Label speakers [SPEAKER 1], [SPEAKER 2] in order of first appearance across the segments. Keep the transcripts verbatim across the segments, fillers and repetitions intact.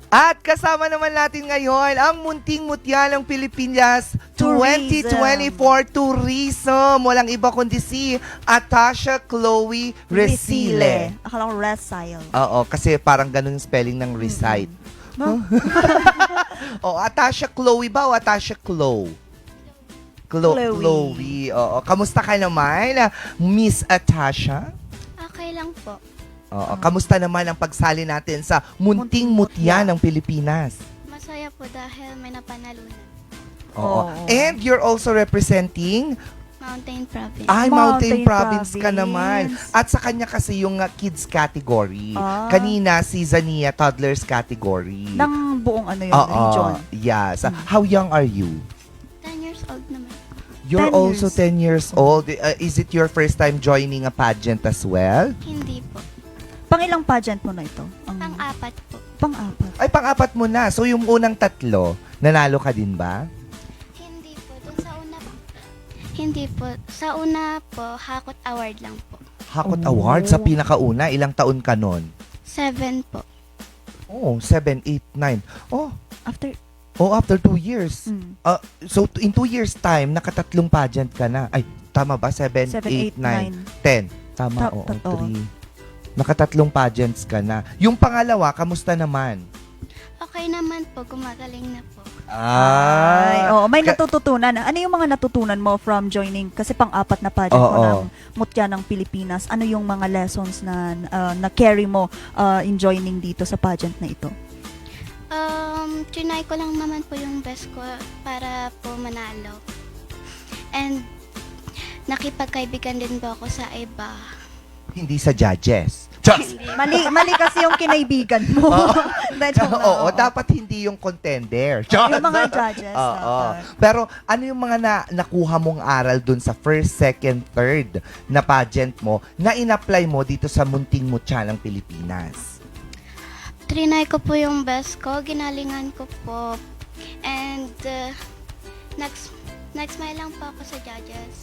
[SPEAKER 1] At kasama naman natin ngayon ang munting mutya ng Pilipinas twenty twenty-four Tourism. Walang iba kundi si Atasha Chloe Resile.
[SPEAKER 2] Akala ko Resile.
[SPEAKER 1] Oo, kasi parang ganun yung spelling ng recite.
[SPEAKER 2] No?
[SPEAKER 1] O, Atasha Chloe ba o Atasha Chloe? Chlo-
[SPEAKER 2] Chloe.
[SPEAKER 1] Chloe. Oo. Kamusta ka naman, Miss Atasha?
[SPEAKER 3] Okay lang po.
[SPEAKER 1] Oo. Kamusta naman ang pagsali natin sa munting mutya ng Pilipinas?
[SPEAKER 3] Masaya po dahil may napanalunan.
[SPEAKER 1] Oo.
[SPEAKER 2] Oo.
[SPEAKER 1] And you're also representing
[SPEAKER 3] Mountain Province.
[SPEAKER 1] ay Mountain,
[SPEAKER 2] Mountain
[SPEAKER 1] Province ka
[SPEAKER 2] Province.
[SPEAKER 1] naman. At sa kanya kasi yung uh, kids category.
[SPEAKER 2] Ah.
[SPEAKER 1] Kanina si Zania toddlers category.
[SPEAKER 2] Ng buong ano yun,
[SPEAKER 1] Oo.
[SPEAKER 2] region.
[SPEAKER 1] Yes.
[SPEAKER 2] Hmm.
[SPEAKER 1] How young are you?
[SPEAKER 3] ten years old naman.
[SPEAKER 1] You're
[SPEAKER 2] ten
[SPEAKER 1] also
[SPEAKER 2] years.
[SPEAKER 1] ten years old. Uh, is it your first time joining a pageant as well?
[SPEAKER 3] Hindi po.
[SPEAKER 2] Pangilang pageant mo na ito? Ang
[SPEAKER 3] Pang-apat po.
[SPEAKER 2] pang-apat.
[SPEAKER 1] Ay, pang-apat mo na. So, yung unang tatlo, nanalo ka din ba?
[SPEAKER 3] Hindi po. Dun sa una po. Hindi po. Sa una po, Hakot Award lang po.
[SPEAKER 1] Hakot
[SPEAKER 2] Oh.
[SPEAKER 1] Award sa pinakauna. Ilang taon ka nun?
[SPEAKER 3] Seven po.
[SPEAKER 1] Oh, seven, eight, nine. Oh,
[SPEAKER 2] After,
[SPEAKER 1] oh, after two years.
[SPEAKER 2] mm,
[SPEAKER 1] Uh, so, t- in two years time, nakatatlong pageant ka na. Ay, tama ba? Seven,
[SPEAKER 2] seven,
[SPEAKER 1] eight,
[SPEAKER 2] eight,
[SPEAKER 1] nine,
[SPEAKER 2] nine.
[SPEAKER 1] ten. Tama,
[SPEAKER 2] Ta-
[SPEAKER 1] oo.
[SPEAKER 2] totoo.
[SPEAKER 1] Three. Nakatatlong pageants ka na. Yung pangalawa, kamusta naman?
[SPEAKER 3] Okay naman po. Gumagaling na po.
[SPEAKER 2] Ay,
[SPEAKER 1] Ah,
[SPEAKER 2] oo, may
[SPEAKER 1] ka-
[SPEAKER 2] natututunan. Ano yung mga natutunan mo from joining? Kasi pang-apat na pageant mo
[SPEAKER 1] Oo.
[SPEAKER 2] ng Mutya ng Pilipinas. Ano yung mga lessons na uh, na-carry mo uh, in joining dito sa pageant na ito?
[SPEAKER 3] Um, trinay ko lang naman po yung best ko para po manalo. And nakipagkaibigan din po ako sa iba.
[SPEAKER 1] hindi sa judges. Just.
[SPEAKER 2] Mali, mali kasi yung kinaibigan mo. Dahil joke lang,
[SPEAKER 1] Oo, dapat hindi yung contender.
[SPEAKER 2] Yung mga judges.
[SPEAKER 1] Oo.
[SPEAKER 2] dapat.
[SPEAKER 1] Pero ano yung mga na, nakuha mong aral dun sa first, second, third na pageant mo na in-apply mo dito sa munting mutya ng Pilipinas?
[SPEAKER 3] Trinay ko po yung best ko, ginalingan ko po. And uh, next next smile lang po ako sa judges.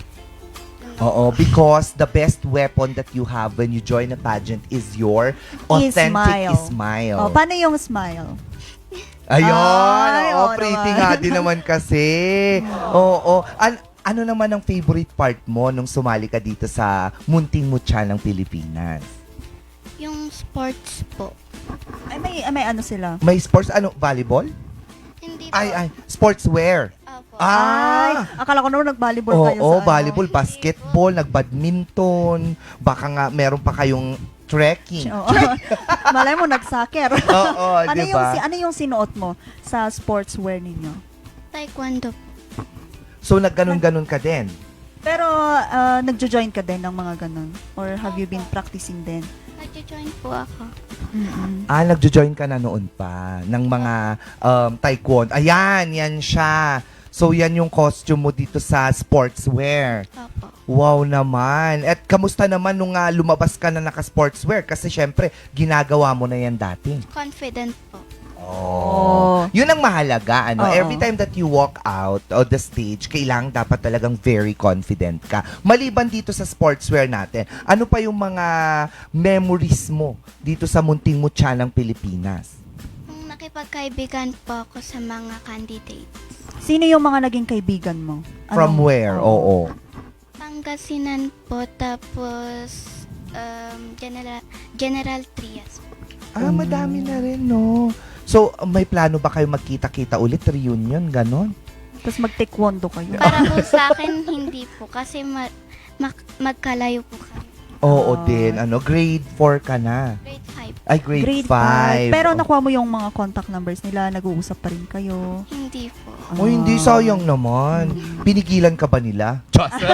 [SPEAKER 1] Oo, because the best weapon that you have when you join a pageant is your authentic
[SPEAKER 2] smile.
[SPEAKER 1] smile.
[SPEAKER 2] Oh, paano yung smile?
[SPEAKER 1] Ayun,
[SPEAKER 2] Ay,
[SPEAKER 1] oo,
[SPEAKER 2] oo
[SPEAKER 1] pretty
[SPEAKER 2] naman.
[SPEAKER 1] nga din naman kasi. Oo, An- ano naman ang favorite part mo nung sumali ka dito sa munting mutya ng Pilipinas?
[SPEAKER 3] Yung sports po.
[SPEAKER 2] Ay, may, ay, may ano sila?
[SPEAKER 1] May sports, ano, volleyball?
[SPEAKER 3] Hindi po.
[SPEAKER 1] Ay, ay, sportswear.
[SPEAKER 3] Opo.
[SPEAKER 2] Ay,
[SPEAKER 1] Ah!
[SPEAKER 2] akala ko naman nag-volleyball
[SPEAKER 1] Oo,
[SPEAKER 2] kayo
[SPEAKER 1] oh,
[SPEAKER 2] sa ano.
[SPEAKER 1] volleyball, basketball, nag-badminton, baka nga meron pa kayong trekking.
[SPEAKER 2] Oo. Malay mo, nag-soccer.
[SPEAKER 1] Oo,
[SPEAKER 2] ano,
[SPEAKER 1] di
[SPEAKER 2] yung,
[SPEAKER 1] ba?
[SPEAKER 2] si- ano yung sinuot mo sa sportswear ninyo?
[SPEAKER 3] Taekwondo po.
[SPEAKER 1] So, nagganon-ganon ka din.
[SPEAKER 2] Pero, uh, nagjo-join ka din ng mga ganun? Or have you been practicing din?
[SPEAKER 3] Nag-join po ako.
[SPEAKER 2] Mm-mm.
[SPEAKER 1] Ah, nagjo-join ka na noon pa ng mga um, taekwondo. Ayan, yan siya. So, yan yung costume mo dito sa sportswear.
[SPEAKER 3] Opo.
[SPEAKER 1] Wow naman. At kamusta naman nung ah, lumabas ka na naka-sportswear? Kasi syempre, ginagawa mo na yan dati.
[SPEAKER 3] Confident po.
[SPEAKER 1] Oh. Yun ang mahalaga. Ano?
[SPEAKER 2] Oo.
[SPEAKER 1] Every time that you walk out of the stage, kailangan dapat talagang very confident ka. Maliban dito sa sportswear natin, ano pa yung mga memories mo dito sa munting mutya ng Pilipinas?
[SPEAKER 3] Nung nakipagkaibigan po ako sa mga candidates.
[SPEAKER 2] Sino yung mga naging kaibigan mo?
[SPEAKER 1] From
[SPEAKER 2] Anong-
[SPEAKER 1] where? Oo.
[SPEAKER 3] Pangasinan po, tapos um, General, General Trias po.
[SPEAKER 1] Ah, madami na rin, no? So, may plano ba kayo magkita-kita ulit? Reunion, ganon?
[SPEAKER 2] Tapos mag-taekwondo kayo.
[SPEAKER 3] Para po sa akin, hindi po. Kasi ma- mag- magkalayo po kami.
[SPEAKER 1] Oo
[SPEAKER 2] Ah.
[SPEAKER 1] din. Ano, grade four ka na.
[SPEAKER 3] Grade five.
[SPEAKER 1] Ay, grade,
[SPEAKER 2] Grade
[SPEAKER 1] five.
[SPEAKER 2] five. Pero nakuha mo yung mga contact numbers nila, nag-uusap pa rin kayo.
[SPEAKER 3] Hindi po.
[SPEAKER 1] Oh, hindi, sayang naman. Pinigilan ka ba nila?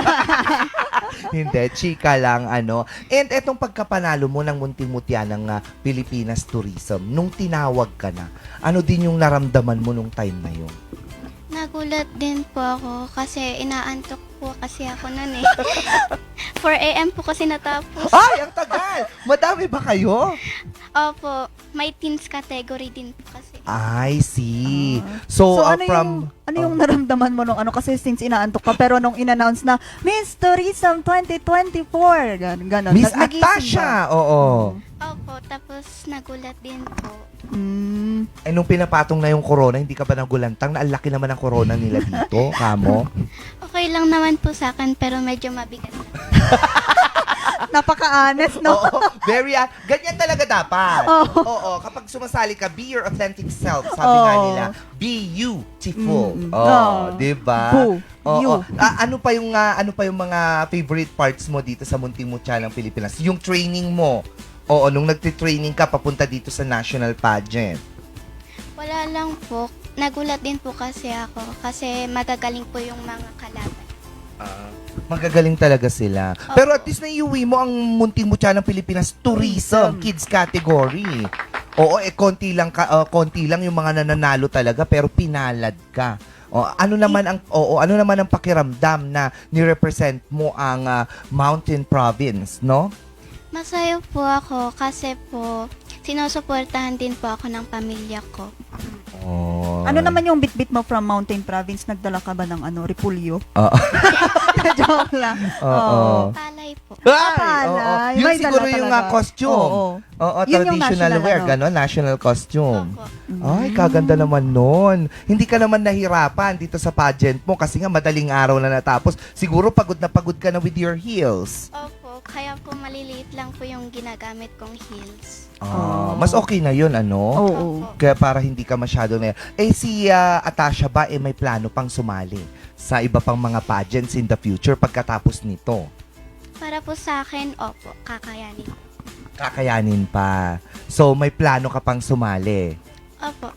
[SPEAKER 1] Hindi, chika lang, ano. And etong pagkapanalo mo ng munting mutya ng ah, Pilipinas Tourism, nung tinawag ka na, ano din yung naramdaman mo nung time na yun?
[SPEAKER 3] Nagulat din po ako kasi inaantok po kasi ako nun eh. four a.m. po kasi natapos.
[SPEAKER 1] Ay, ang tagal! Madami ba kayo?
[SPEAKER 3] Opo, may teens category din po kasi.
[SPEAKER 1] I see.
[SPEAKER 2] Ah.
[SPEAKER 1] So,
[SPEAKER 2] So,
[SPEAKER 1] uh,
[SPEAKER 2] ano
[SPEAKER 1] from...
[SPEAKER 2] yung, ano yung naramdaman mo nung ano? Kasi since inaantok ka, pero nung in-announce na, Miss Tourism twenty twenty-four, gan ganon.
[SPEAKER 1] Miss
[SPEAKER 2] Nag- nagising
[SPEAKER 1] Atasha!
[SPEAKER 2] ba?
[SPEAKER 1] Oo.
[SPEAKER 2] Mm.
[SPEAKER 3] Opo, po, tapos nagulat din po.
[SPEAKER 2] Mm.
[SPEAKER 1] Eh, nung pinapatong na yung corona, hindi ka ba nagulantang? Na ang laki naman ang corona nila dito, kamo?
[SPEAKER 3] Okay lang naman po sa akin, pero medyo mabigat na.
[SPEAKER 2] Napaka-honest, no?
[SPEAKER 1] Oo, very, ah, ganyan talaga dapat.
[SPEAKER 2] Oo.
[SPEAKER 1] Oo, kapag sumasali ka, be your authentic self, sabi nga
[SPEAKER 2] Oo.
[SPEAKER 1] nila. Be beautiful.
[SPEAKER 2] Mm.
[SPEAKER 1] Oo,
[SPEAKER 2] Oo.
[SPEAKER 1] di ba?
[SPEAKER 2] Boo.
[SPEAKER 1] Oo.
[SPEAKER 2] You.
[SPEAKER 1] Ah, ano pa yung ah, ano pa yung mga favorite parts mo dito sa Munting Mutya ng Pilipinas? Yung training mo. Oo, nung nagti-training ka papunta dito sa national pageant.
[SPEAKER 3] Wala lang po. Nagulat din po kasi ako kasi magagaling po yung mga kalaban.
[SPEAKER 1] Ah, magagaling talaga sila. Pero at least naiuwi mo ang Munting Mutya ng Pilipinas tourism,
[SPEAKER 2] Tourism.
[SPEAKER 1] kids category. Oo, eh konti lang ka, ah, konti lang yung mga nananalo talaga pero pinalad ka. O, ano naman ang oo, ano naman ang pakiramdam na ni-represent mo ang ah, Mountain Province, no?
[SPEAKER 3] Masaya po ako kasi po sinusuportahan din po ako ng pamilya ko.
[SPEAKER 1] Oh.
[SPEAKER 2] Ano naman yung bit-bit mo from Mountain Province? Nagdala ka ba ng ano, repulyo?
[SPEAKER 1] Oo.
[SPEAKER 2] Joke lang.
[SPEAKER 1] Oo.
[SPEAKER 3] Palay po.
[SPEAKER 1] Ay,
[SPEAKER 2] palay.
[SPEAKER 1] oo. Yun
[SPEAKER 2] May
[SPEAKER 1] siguro
[SPEAKER 2] dala
[SPEAKER 1] yung
[SPEAKER 2] talaga.
[SPEAKER 1] ah, costume.
[SPEAKER 2] Oo.
[SPEAKER 1] Oo,
[SPEAKER 2] Yun yung
[SPEAKER 1] traditional
[SPEAKER 2] national,
[SPEAKER 1] wear,
[SPEAKER 2] ano?
[SPEAKER 1] gano'n, national costume.
[SPEAKER 3] Opo.
[SPEAKER 1] Ay, kaganda naman nun. Hindi ka naman nahirapan dito sa pageant mo kasi nga madaling araw na natapos. Siguro pagod na pagod ka na with your heels.
[SPEAKER 3] Opo, kaya po maliliit lang po yung ginagamit kong heels.
[SPEAKER 1] Ah,
[SPEAKER 2] Oh.
[SPEAKER 1] mas okay na yun, ano?
[SPEAKER 2] Oo.
[SPEAKER 3] Opo.
[SPEAKER 1] Kaya para hindi ka masyado na... Eh, si ah, Atasha ba, eh, may plano pang sumali sa iba pang mga pageants in the future pagkatapos nito?
[SPEAKER 3] Para po sa akin, opo, kakayanin.
[SPEAKER 1] Kakayanin pa. So, may plano ka pang sumali.
[SPEAKER 3] Opo.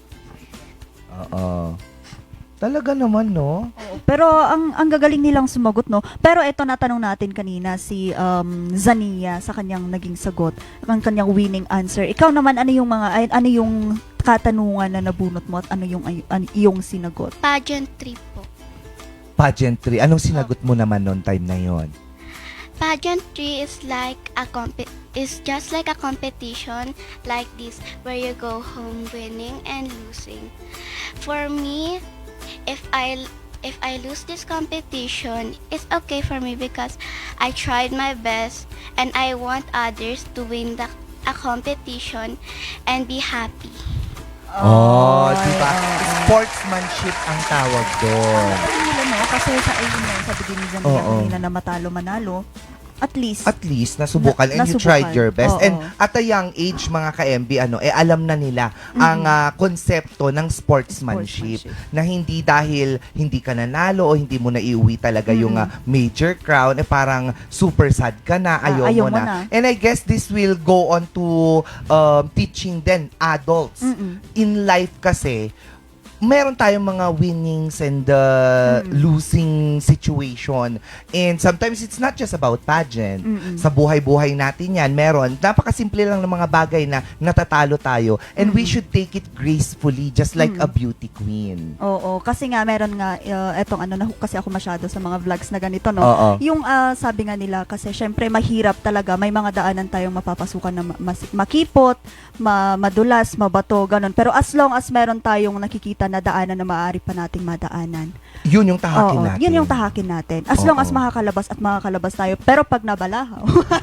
[SPEAKER 1] Oo. Talaga naman, no?
[SPEAKER 2] Oo. Pero ang ang gagaling nilang sumagot, no? Pero ito natanong natin kanina si um, Zania sa kanyang naging sagot, ang kanyang winning answer. Ikaw naman, ano yung mga ay, ano yung katanungan na nabunot mo at ano yung ay, ano, iyong sinagot?
[SPEAKER 3] Pageantry po.
[SPEAKER 1] Pageantry. Anong sinagot mo naman noon time na yon?
[SPEAKER 3] Pageantry is like a comp- is just like a competition like this where you go home winning and losing. For me, if I if I lose this competition, it's okay for me because I tried my best and I want others to win the a competition and be happy.
[SPEAKER 1] Oh,
[SPEAKER 2] Ay,
[SPEAKER 1] di ba?
[SPEAKER 2] oo.
[SPEAKER 1] Sportsmanship ang tawag doon.
[SPEAKER 2] Sabi nila, no? Kasi sa ayun na, sabi din ni Zania
[SPEAKER 1] Oo.
[SPEAKER 2] kanina na matalo manalo, at least,
[SPEAKER 1] At least, nasubukan
[SPEAKER 2] Na-
[SPEAKER 1] and you
[SPEAKER 2] nasubukan.
[SPEAKER 1] tried your best.
[SPEAKER 2] Oo.
[SPEAKER 1] And at a young age, mga ka-M B, ano, eh, alam na nila ang ah, konsepto ng sportsmanship.
[SPEAKER 2] Sportsmanship.
[SPEAKER 1] Na hindi dahil hindi ka nanalo o hindi mo na iuwi talaga yung ah, major crown, eh parang super sad ka na,
[SPEAKER 2] Ah,
[SPEAKER 1] ayaw,
[SPEAKER 2] ayaw
[SPEAKER 1] mo
[SPEAKER 2] mo
[SPEAKER 1] na.
[SPEAKER 2] na.
[SPEAKER 1] And I guess this will go on to um, teaching then adults.
[SPEAKER 2] Mm-mm.
[SPEAKER 1] In life kasi, meron tayong mga winnings and uh,
[SPEAKER 2] Mm.
[SPEAKER 1] losing situation. And sometimes it's not just about pageant.
[SPEAKER 2] Mm-mm.
[SPEAKER 1] Sa buhay-buhay natin yan, meron. Napakasimple lang ng mga bagay na natatalo tayo. And we
[SPEAKER 2] Mm.
[SPEAKER 1] should take it gracefully, just like
[SPEAKER 2] Mm.
[SPEAKER 1] a beauty queen.
[SPEAKER 2] oo, kasi nga meron nga uh, etong ano na kasi ako masyado sa mga vlogs na ganito, no.
[SPEAKER 1] Oo.
[SPEAKER 2] Yung ah, sabi nga nila kasi syempre mahirap talaga, may mga daanan tayong mapapasukan na ma- mas- makipot, ma- madulas, mabato, ganun. Pero as long as meron tayong nakikita na daanan na maaari pa nating madaanan.
[SPEAKER 1] Yun yung tahakin
[SPEAKER 2] Oo,
[SPEAKER 1] natin.
[SPEAKER 2] yun yung tahakin natin. As long as
[SPEAKER 1] Oo.
[SPEAKER 2] makakalabas at makakalabas tayo. Pero pag nabalahaw,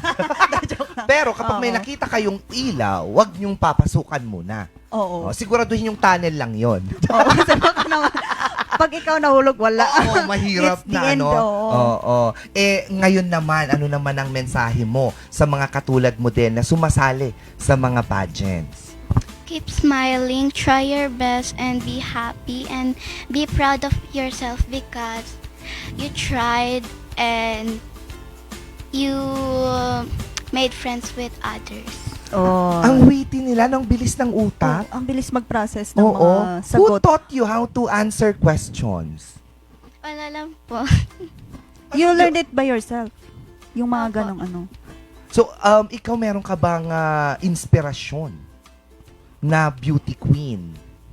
[SPEAKER 1] Pero kapag may
[SPEAKER 2] Oo.
[SPEAKER 1] nakita kayong ilaw, wag niyong papasukan muna.
[SPEAKER 2] oo.
[SPEAKER 1] Oh, siguraduhin yung tunnel lang yon.
[SPEAKER 2] Oo, kasi baka naman, pag ikaw nahulog, wala.
[SPEAKER 1] Oo, mahirap
[SPEAKER 2] It's the
[SPEAKER 1] na
[SPEAKER 2] end,
[SPEAKER 1] ano.
[SPEAKER 2] oo.
[SPEAKER 1] Oo. Eh ngayon naman, ano naman ang mensahe mo sa mga katulad mo din na sumasali sa mga pageants?
[SPEAKER 3] Keep smiling, try your best, and be happy and be proud of yourself because you tried and you made friends with others.
[SPEAKER 2] Oh.
[SPEAKER 1] Ang witty nila, ng bilis ng utak.
[SPEAKER 2] ang bilis mag-process ng
[SPEAKER 1] Oo.
[SPEAKER 2] mga
[SPEAKER 1] Who
[SPEAKER 2] sagot.
[SPEAKER 1] taught you how to answer questions?
[SPEAKER 3] Wala lang po.
[SPEAKER 2] You learned it by yourself. Yung mga
[SPEAKER 3] Opo.
[SPEAKER 2] ganong ano.
[SPEAKER 1] So, um, ikaw meron ka bang ah, inspirasyon na beauty queen?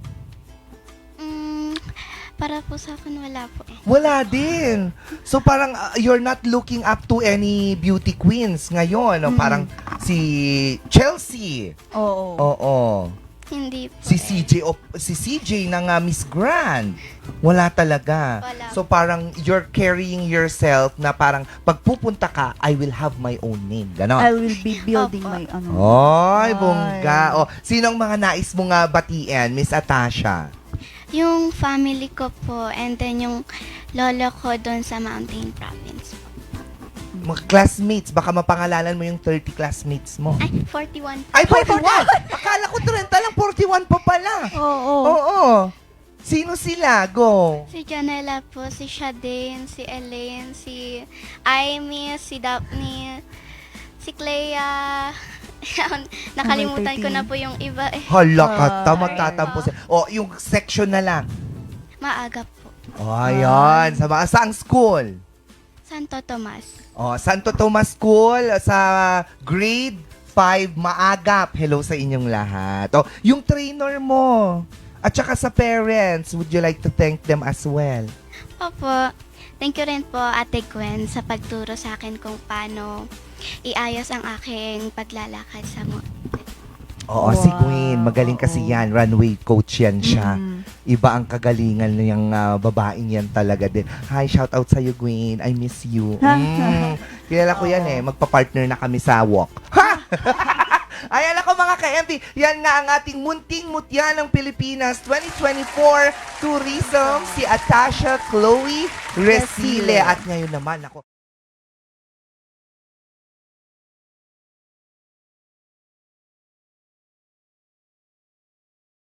[SPEAKER 3] Mm, para po sa akin, wala po.
[SPEAKER 1] Wala din. So parang uh, you're not looking up to any beauty queens ngayon. No?
[SPEAKER 2] Mm.
[SPEAKER 1] Parang si Chelsea.
[SPEAKER 2] Oo.
[SPEAKER 1] Oo.
[SPEAKER 3] Hindi po.
[SPEAKER 1] Si
[SPEAKER 3] eh.
[SPEAKER 1] C J, o si C J ng ah, Miss Grand. Wala talaga.
[SPEAKER 3] Wala.
[SPEAKER 1] So parang you're carrying yourself na parang pagpupunta ka, I will have my own name. Ganon.
[SPEAKER 2] I will be building
[SPEAKER 3] Opo.
[SPEAKER 2] my ano.
[SPEAKER 1] Oy,
[SPEAKER 2] Ay.
[SPEAKER 1] bongga. O, sinong mga nais mo nga batiin, Miss Atasha?
[SPEAKER 3] Yung family ko po and then yung lolo ko doon sa Mountain Province po.
[SPEAKER 1] Mga classmates, baka mapangalanan mo yung thirty classmates mo.
[SPEAKER 3] Ay, forty-one po.
[SPEAKER 1] Ay, forty-one! Akala ko trenta lang, forty-one pa pala.
[SPEAKER 2] Oo.
[SPEAKER 1] Oo. Sino sila? Go.
[SPEAKER 3] Si Janela po, si Shadane, si Elaine, si Amy, si Daphne, si Clea. Nakalimutan ko na po yung iba eh.
[SPEAKER 1] Hala ka,
[SPEAKER 2] Ay.
[SPEAKER 1] ta, magtatampo sila. O, yung section na lang.
[SPEAKER 3] Maaga po.
[SPEAKER 1] O, ayan. Sa mga saang school?
[SPEAKER 3] Santo Tomas.
[SPEAKER 1] O, Santo Tomas School sa grade five, Maagap. Hello sa inyong lahat. O, yung trainer mo. At saka sa parents, would you like to thank them as well?
[SPEAKER 3] Opo. Thank you rin po, Ate Gwen, sa pagturo sa akin kung paano iayos ang aking paglalakad sa mo.
[SPEAKER 1] Oo,
[SPEAKER 2] Wow.
[SPEAKER 1] si Gwen. Magaling kasi
[SPEAKER 2] Oo.
[SPEAKER 1] yan. Runway coach yan siya.
[SPEAKER 2] Mm.
[SPEAKER 1] Iba ang kagalingan niyang ah, babaeng yan talaga din. Hi, shout out sa'yo, Gwen. I miss you. Mm. Kilala ko yan
[SPEAKER 2] Oo.
[SPEAKER 1] eh. Magpa-partner na kami sa walk. Ha! Ayan ako mga ka-M P. Yan nga ang ating munting mutya ng Pilipinas twenty twenty-four Tourism, si Atasha Chloe Resile.
[SPEAKER 2] Resile.
[SPEAKER 1] At ngayon naman ako.